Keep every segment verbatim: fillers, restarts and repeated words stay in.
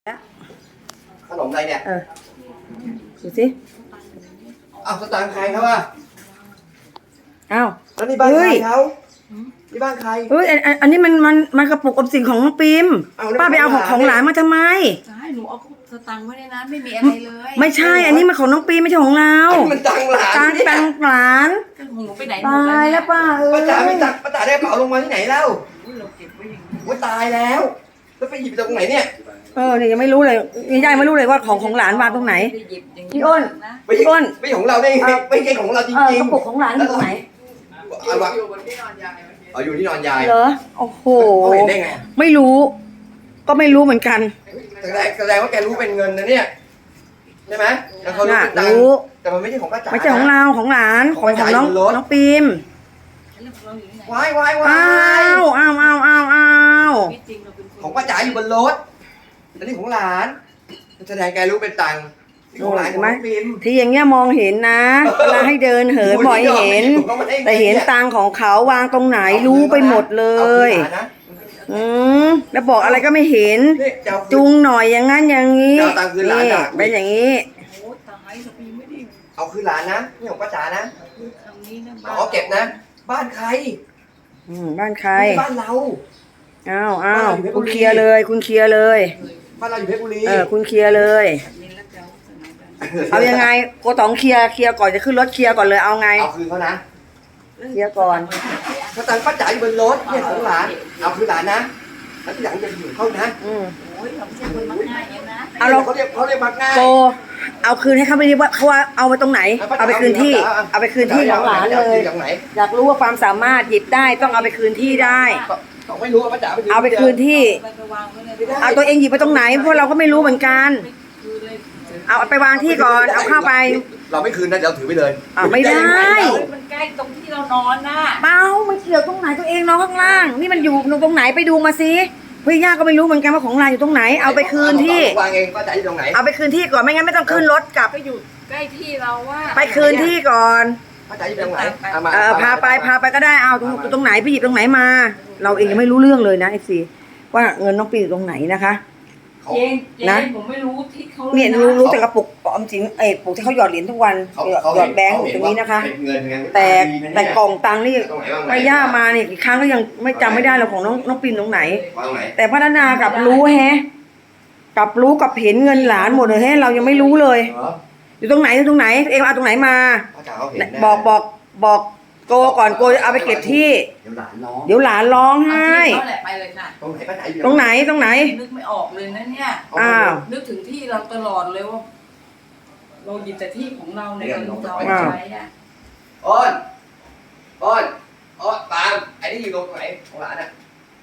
แล้วขนมอะไรเนี่ยเออดูสิอ้าวสตางค์ใครครับว่าอ้าวแล้วนี่บ้านใครเขานี่บ้านใครเฮ้ยอันอันอันนี้มันมันมันกระปุกออมสินของน้องปิมป้าไปเอาของของหลานมาทำไมใช่หนูเอาสตังค์ไว้ในนั้นไม่มีอะไรเลยไม่ใช่อันนี้มันของน้องปิมไม่ใช่ของเรามันตังหลานตังตังหลานของหนูไปไหนหมดตายแล้วป้าเออป้าจ๋าไม่ตังป้าจ๋าได้กระเป๋าลงมาที่ไหนแล้วเราเก็บไว้อย่างนี้ว่าตายแล้วแล้วไปหยิบจากตรงไหนเนี่ยเออเนี่ยยังไม่รู้เลยยายไม่รู้เลยว่าของของหลานวางตรงไหนพี่อ้นพี่อ้นไม่ของเราได้ไงไม่ใช่ของเราจริงๆกระปุกของหลานอยู่ตรงไหนอยู่บนที่นอนยายอ๋ออยู่ที่นอนยายเหรอโอ้โหเขาเห็นได้ไงไม่รู้ก็ไม่รู้เหมือนกันแสดงแสดงว่าแกรู้เป็นเงินนะเนี่ยใช่ไหมแล้วเขารู้เป็นตังค์แต่มันไม่ใช่ของป้าจ๋าไม่ใช่ของเราของหลานของของน้องน้องปิมวายวายวายอ้าวอ้าวอ้าวอ้าวอ้าวของป้าจ๋าอยู่บนรถอันนี้ของหลานแสดงแกรู้เป็นตังค์ของหลานของปิมที่อย่างเงี้ยมองเห็นนะเวลาให้เดินเหินบ่อยเห็นแต่เห็นตังของเขาวางตรงไหนรู้ไปหมดเลยอืมแล้วบอกอะไรก็ไม่เห็นจุงหน่อยอย่างงั้นอย่างนี้นี่เป็นอย่างนี้เอาคือหลานนะนี่ของป้าจ๋านะเอาเก็บนะบ้านใครอืมบ้านใครบ้านเราอ้าวอ้าวคุณเคลียร์เลยคุณเคลียร์เลยบ้านเราอยู่เพชรบุรีเออคุณเคลียร์เลยเอายังไงโกต๋องเคลียร์เคลียร์ก่อนจะขึ้นรถเคลียร์ก่อนเลยเอาไงเอาคืนเขานะเคลียร์ก่อนถ้าตังป้าจ๋าอยู่บนรถเนี่ยของหลานเอาคือหลานนะแล้วที่หลังจะอยู่เขานะอืมโอ้ยเราไม่ใช่คนมักง่ายนะเอาเราเขาเรียกเขาเรียกมักง่ายโกเอาคืนให้เขาไม่ได้ว่าเขาว่าเอาไปตรงไหนเอาไปคืนที่เอาไปคืนที่ของหลานเลยอยากรู้ว่าความสามารถหยิบได้ต้องเอาไปคืนที่ได้ต้องไม่รู้ว่าป้าจ๋าเอาไปคืนที่เอาตัวเองหยิบไปตรงไหนเพราะเราก็ไม่รู้เหมือนกันเอาไปวางที่ก่อนเอาเข้าไปเราไม่คืนนะเดี๋ยวถือไปเลยอ่าไม่ได้มันใกล้ตรงที่เรานอนน่ะเปล่ามันเกี่ยวตรงไหนตัวเองนอนข้างล่างนี่มันอยู่ตรงไหนไปดูมาสิพี่ย่าก็ไม่รู้เหมือนกันว่าของเราอยู่ตรงไหนเอาไปคืนที่วางเองป้าจ๋าอยู่ตรงไหนเอาไปคืนที่ก่อนไม่งั้นไม่ต้องขึ้นรถกลับไปอยู่ใกล้ที่เราว่าไปคืนที่ก่อนป้าจ๋าอยู่ตรงไหนเออพาไปพาไปก็ได้เอาตรงตรงไหนไปหยิบตรงไหนมาเราเองยังไม่รู้เรื่องเลยนะไอซีว่าเงินน้องปีอยู่ตรงไหนนะคะเองนะผมไม่รู้ที่เขาเนี่ยรู้รู้แต่กระปุกออมสินไอ้ปุกที่เขาหยอดเหรียญทุกวันหยอดแบงค์ตรงนี้นะคะแต่แต่กล่องตังค์นี่ไม่ย่ามาเนี่ยอีกครั้งก็ยังไม่จำไม่ได้เราของน้องน้องปีนตรงไหนแต่พัฒนากับรู้แฮะกับรู้กับเห็นเงินหลานหมดเลยแฮะเรายังไม่รู้เลยอยู่ตรงไหนตรงไหนเอ็มเอาตรงไหนมาบอกบอกบอกโกก่อนโกเอาไปเก็บที่เดี๋ยวหลานร้องไห้ไปเลยค่ะตรงไหนตรงไหนนึกไม่ออกเลยนะเนี่ยอ้าวนึกถึงที่เราตลอดเลยว่าเราหยิบแต่ที่ของเราในการเราใช้อ่ะอ้อนอ้อนอ้อนปามไอ้นี่อยู่ตรงไหนของหลานอ่ะ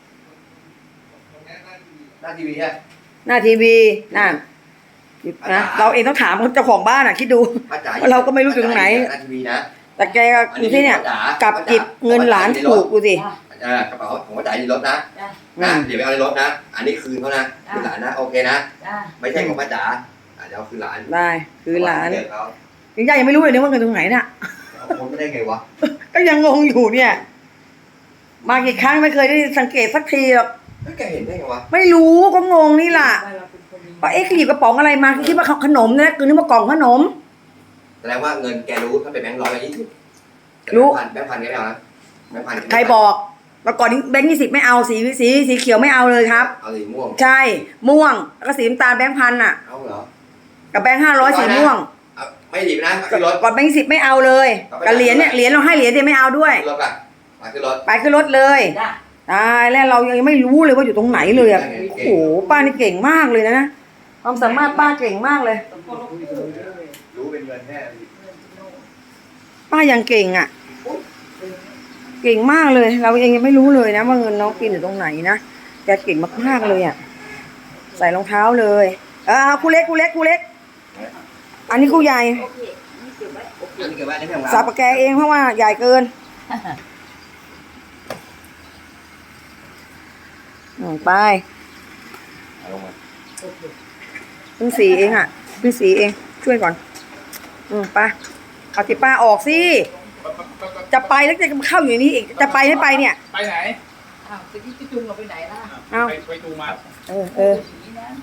หน้าทีวีฮะหน้าทีวีนั่นนะเราเองต้องถามเจ้าของบ้านอ่ะคิดดูเราก็ไม่รู้อยู่ตรงไหนหน้าทีวีนะแต่แกอยู่ที่เนี่ยกับจิบเงินหลานถูกดูสิกระเป๋าของป้าจ๋าอยู่ในรถนะนะเดี๋ยวไปเอาในรถนะอันนี้คืนเขานะคืนหลานนะโอเคนะไม่ใช่ของป้าจ๋าเดี๋ยวคืนหลานได้คืนหลานยังย่ายังไม่รู้เลยเนี่ยว่าเงินตรงไหนน่ะผมไม่ได้ไงวะก็ยังงงอยู่เนี่ยมากี่ครั้งไม่เคยได้สังเกตสักทีหรอกแกเห็นได้ไงวะไม่รู้ก็งงนี่แหละว่าเอ๊ะหยิบกระป๋องอะไรมาคิดว่าขนมนะคือนึกว่ากล่องขนมแสดงว่าเงินแกรู้ถ้าเป็นแบงค์ร้อยแบงค์ยี่สิบรู้แบงค์พันแกไม่เอานะแบงค์พันใครบอกเมื่อก่อนแบงค์ยี่สิบไม่เอาสีสีสีเขียวไม่เอาเลยครับเอาสีม่วงใช่ม่วงแล้วก็สีน้ำตาลแบงค์พันอ่ะเอาเหรอกับแบงค์ห้าร้อยสีม่วงไม่ดีนะขึ้นรถก่อนแบงค์สิบไม่เอาเลยกับเหรียญเนี่ยเหรียญเราให้เหรียญเดียวไม่เอาด้วยรถไปไปขึ้นรถไปขึ้นรถเลยตายแล้วเรายังไม่รู้เลยว่าอยู่ตรงไหนเลยอ่ะโอ้โหป้านี่เก่งมากเลยนะความสามารถป้าเก่งมากเลยรู้เป็นเงินแน่ป้ายังเก่งอ่ะเก่งมากเลยเราเองยังไม่รู้เลยนะว่าเงินน้องกินอยู่ตรงไหนนะแกเก่งมากๆเลยอ่ะใส่รองเท้าเลยอ่าคู่เล็กคู่เล็กคู่เล็กอันนี้คู่ใหญ่สับปะแกเองเพราะว่าใหญ่เกินไปพึ่งสีเองอ่ะพึ่งสีเองช่วยก่อนอืมไปเอาที่ป้าออกสิจะไปแล้วจะเข้าอยู่นี้อีกจะไปไม่ไปเนี่ยไปไหนอ้าวจะที่จุงเราไปไหนล่ะเอาไปไปจูมาเออเออ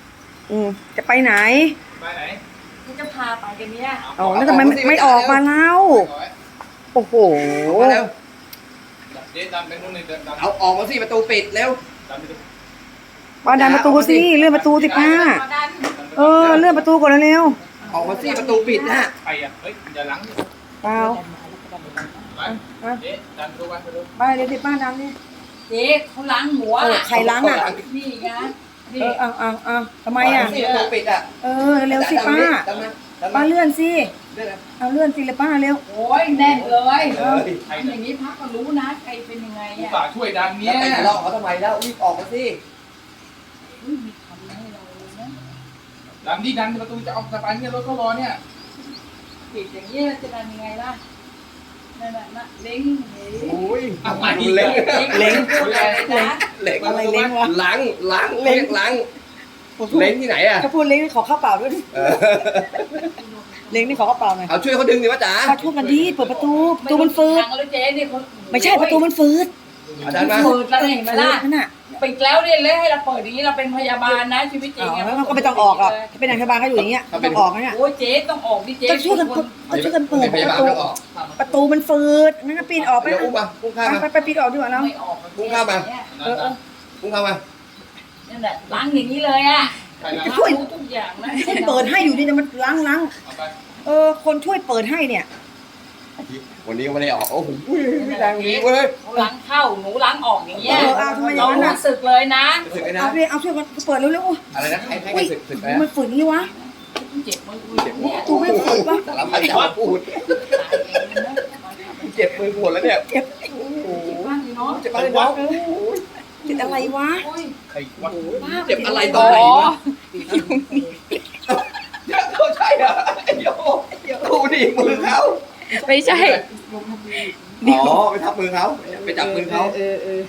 อืมจะไปไหนไปไหนกูจะพาไปกันเนี่ยอ๋อแล้วทำไมไม่ไม่ออกมาเล่าโอ้โหมาแล้วเจ๊ดันไปนู่นเลยเดินดันเอาออกมาสิประตูปิดเร็วดันไปดูป้าดันประตูสิเลื่อนประตูสิป้าเออเลื่อนประตูก่อนเร็วออกมาสิประตูปิดนะไปอ่ะเฮ้ยอย่าหลังๆเปล่าไปเจ๊ดันไปดูไปดูไปเดี๋ยวสิป้าดันนี่เจ๊เขาล้างหัวเออใครล้างอ่ะนี่ไงเอนี่อเอาเอาเอาทำไมอ่ะสิประตูปิดอ่ะเออเร็วๆสิป้าดันมาดันป้ามาเลื่อนสิเลื่อนนะเอาเลื่อนสิเลยป้าเร็วโอ้ยแน่นเลยเฮ้ยใครทำอย่างนี้พักก็รู้นะใครเป็นยังไงผู้อ่ะฝ่าช่วยดันแล้เนี่วย ไปหลอกเขาทำไมแล้วรีบออกมาสิอุ้ยมีคำให้เราเลยนะดันที่ดันประตูจะออกสะพานเนี่ยรถก็รอเนี่ยปิดอย่างนี้ยจะทำยังไงล่ะนั่นน่ะนะเล้งเฮ้ยโอ้ยอะไรเล็งเล้งพูดอะไรนะเล็งอะไรเล้งวะล้างล้างเล็งล้างเล็งที่ไหนอ่ะถ้าพูดเล้งนี่ขอข้าวเปล่าด้วยดิเออเล้งนี่ขอข้าวเปล่าหน่อยเอาช่วยเขาดึงดิวะจ๋าป้าช่วยกันดิเปิดประตูประตูมันฟืดทางแล้วเจ๊เนี่ยเขาไม่ใช่ประตูมันฟืดเอาดันมาเปิดแล้วเห็นไหมล่ะนั่นน่ะปิดแล้วเนี่ยเลยให้เราเปิดอย่างนี้เราเป็นพยาบาลนะชีวิตจริอ๋งออะแล้วก็ไม่ต้องออกหรอกถ้าเป็นนางพยาบาลก็อยู่อย่างเงี้ยไม่ต้องออกนะเนี่ยโอ้ยเจ๊ต้องออกดิเจ๊ก็ช่วยกันก็ช่วยกันเปิดพปยาบาระลตูต้องออกประตูมันฟืดนั่นก็ปีนออกไปเดี๋ยวอุ้มมาอุ้มข้ามมาไปไปปีนออกดีกว่าแล้วไม่ออกพุ่งเข้ามาเออเอออุ้มข้ามมานั่นแหละล้างอย่างนี้เลยอ่ะใครนะช่วยรู้ทุกอย่างนะคนเปิดให้อยู่นี่นะมันล้างล้างเอาไปเออคนช่วยเปิดให้เนี่ยวันนี้ก็ไม่ได้ออกโอ้โหไม่ดังนี้เว้ยเขาล้างเข้าหนูล้างออกอย่างเงี้ยเออเอาทำไมอย่าเรางนั้นน่ะรู้สึกเลยนะรู้สึกไงนะเอาเลยเอาช่วยกันเปิดเร็วๆอะไรนะให้ให้อุ้ยสึกสึกมันฝืนนี่วะเจ็บมือเจ็บเนี่ยตูไม่ฝืนวะสารพัดจะพูดเจ็บมือปวดแล้วเนี่ยเจ็บบ้างสิเนาะเจ็บอะไรวะเจ็บอะไรวะโอ้ยใครวะเจ็บอะไรตรงไหนวะเขาใช่เหรอเดี๋ยวดูดิมือเขาไม่ใช่อ๋อไปทับมือเขาไปจับมือเขาเออเออ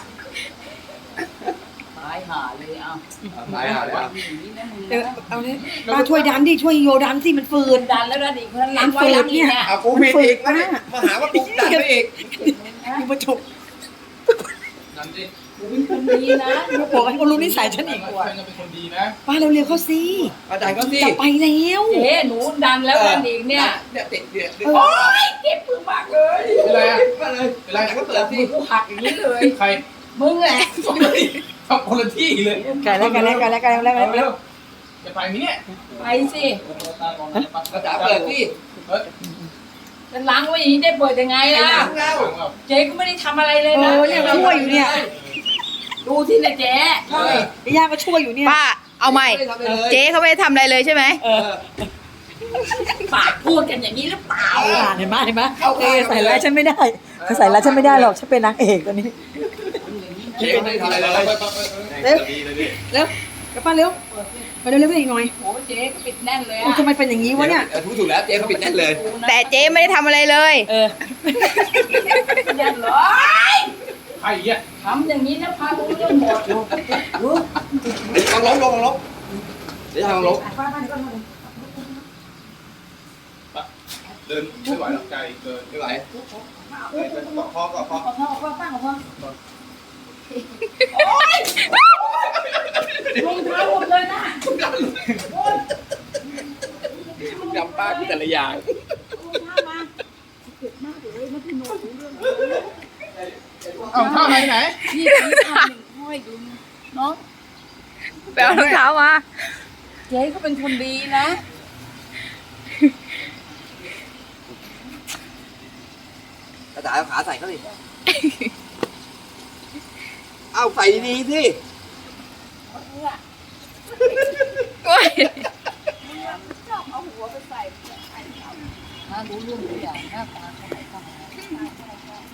ตายห่าเลยเอาตายห่าเลยอ่ะเออเอาเลยป้าช่วยดันดิช่วยโยดันสิมันฝืนดันแล้วดันอีกคนนั้นล้างไว้ล้างอีกเนี่ยเอากูผิดอีกมามาหาว่ากูดันไปอีกกูมาจบดันดิหนูเป็นคนดีนะมาบอกให้เขารู้นิสัยฉันอีกเพื่ว่าอนก็เป็นคนดีนะป้าเร็วๆเขาสิอาจารย์ก็สิจะไปแล้วเจ๊หนูดันแล้วดันอีกเนี่ยเนี่ยติดเนี่ยโอ้ยเจ็บมือมากเลยเป็นไรอ่ะมาเลยเป็นไรก็ก็เปิเปิดดสิมือกูหักอย่างนี้เลยใครมึงแหละทำคนละที่เลยไก่แล้วไก่แล้วไก่แล้วไก่แล้วแล้วเร็แล้ววจะไปไหมเนี่ยไปสิกระจ๋าเปิดสิเฮ้ยจะล้างไว้อย่างนี้ได้เปิดยังไงไอ้ล่ะหลังเราเจ๊ก็ไม่ได้ทำอะไรเลยเอนะอเนี่ยช่วยอยู่เนี่ยดูที่นะเจ๊ใช่ไอ้ย่าก็ช่วยอยู่เนี่ยป้า เอาใหม่ เจ๊เขาไม่ได้ทำอะไรเลยใช่ไหมเออปากพูดกันอย่างนี้หรือเปล่าอ่านเห็นไหมเห็นไหมเออใส่ร้ายฉันไม่ได้ใส่ร้ายฉันไม่ได้หรอกฉันเป็นนางเอกตัวนี้เจ๊ไม่ทำอะไรเลยเร็วเร็วกลับป้าเร็วไปเร็วเร็วไปอีกหน่อยโอ้เจ๊ก็ปิดแน่นเลยโอ้อะทำไมเป็นอย่างนี้วะเนี่ยถูกถูกแล้วเจ๊เขาปิดแน่นเลยแต่เจ๊ไม่ได้ทำอะไรเลยเออแน่นเลยใครอ่ะทำอย่างนี้นะพารู้เรื่องหมดลองล้มลองล้มเดี๋ยวทำล้มเดินไม่ไหวหรอกใจเกินไม่ไหวกอดคอกอดคอขอโทษขอโทษป้าขอโทษรองเท้าหมดเลยนะโอ้ยจำป้าแต่ละอย่างเอาท่าไหนไหนพี่พี่ทำหนึ่งห้อยดูน้องไปเอารองเท้ามาเจ๊เขาเป็นคนดีนะกระจ๋าเอาขาใส่เขาดิเอาใส่ดีๆสิโอ้ยถ้ารู้เรื่องทุกอย่างหน้าตาเขาไหนก็หา